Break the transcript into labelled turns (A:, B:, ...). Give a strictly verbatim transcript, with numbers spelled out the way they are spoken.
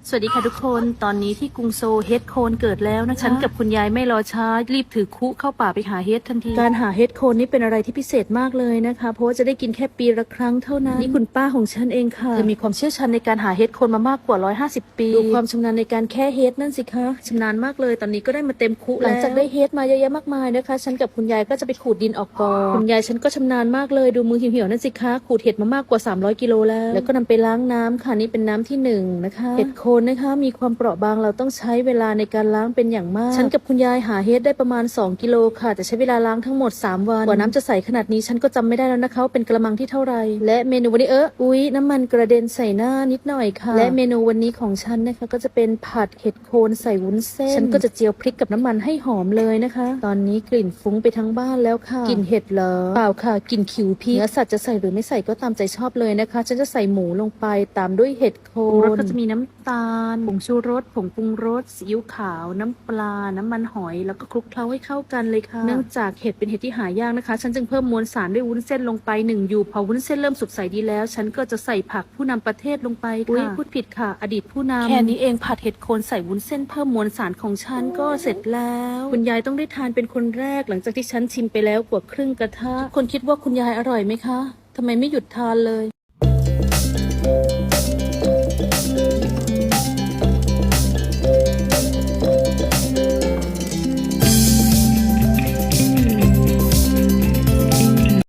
A: สวัสดีค่ะทุกคนตอนนี้ที่กรุงโซลเฮดโคนเกิดแล้วนะคะฉันกับคุณยายไม่รอช้ารีบถือคุเข้าป่าไปหาเฮดทันทีการหาเฮดโคนนี่เป็นอะไรที่พิเศษมากเลยนะคะเพราะว่าจะได้กินแค่ปีละครั้งเท่านั้นนี่คุณป้าของฉันเองค่ะเธอมีความเชี่ยวชาญในการหาเฮดโคนมามากกว่าหนึ่งร้อยห้าสิบปีดูความชำนาญในการแค่เฮดนั่นสิคะชำนาญมากเลยตอนนี้ก็ได้มาเต็มคุหลังจากได้เฮดมาเยอะแยะมากมายนะคะฉันกับคุณยายก็จะไปขูดดินออกก่อนคุณยายฉันก็ชำนาญมากเลยดูมือเหี่ยวๆนั่นสิคะขูดเห็ดมามากกว่าสามร้อยกิโลแล้วแล้วก็นำไปล้างน้ำค่ะนี่เป็นน้ำที่หนึ่งนะคะเห็ดโคนนะคะมีความเปราะบางเราต้องใช้เวลาในการล้างเป็นอย่างมากฉันกับคุณยายหาเฮดได้ประมาณสองกิโลค่ะแต่ใช้เวลาล้างทั้งหมดสามวันกว่าน้ำจะใสขนาดนี้ฉันก็จำไม่ได้แล้วนะคะเป็นกระมังที่เท่าไหร่และเมนูวันนี้เอออุ๊ยน้ำมันกระเด็นใส่หน้านิดหน่อยค่ะและเมนูวันนี้ของฉันนะคะก็จะเป็นผัดเห็ดโคนใส่วุ้นเส้นฉันก็จะเจียวพริกกับน้ำมันให้หอมเลยนะคะตอนนี้กลิ่นฟุ้งไปทั้งบ้านแล้วค่ะกลิ่นเห็ดเหรอเปล่าค่ะกลิ่นขิวพริกเนื้อสัตว์จะใส่หรือไม่ใส่ก็ตามใจชอบเลยนะคะฉันจะใส่หมูลงไปตามด้วยเห็ดโคนรสก็จะมีน้ำตาลผงชูรสผงปรุงรสซีอิ๊วขาวน้ำปลาน้ำมันหอยแล้วก็คลุกเคล้าให้เข้ากันเลยค่ะเนื่องจากเห็ดเป็นเห็ดที่หายากนะคะฉันจึงเพิ่มมวลสารด้วยวุ้นเส้นลงไปหนึ่งอยู่พอวุ้นเส้นเริ่มสุกใสดีแล้วฉันก็จะใส่ผักผู้นำประเทศลงไปค่ะพูดผิดค่ะอดีตผู้นำแค่นี้เองผัดเห็ดโคนใส่วุ้นเส้นเพิ่มมวลสารของฉันก็เสร็จแล้วคุณยายต้องได้ทานเป็นคนแรกหลังจากที่ฉันชิมไปแล้วกว่าครึ่งกระทะทุกคนคิดว่าคุณยายอร่อยไหมคะทำไมไม่หยุดทานเลย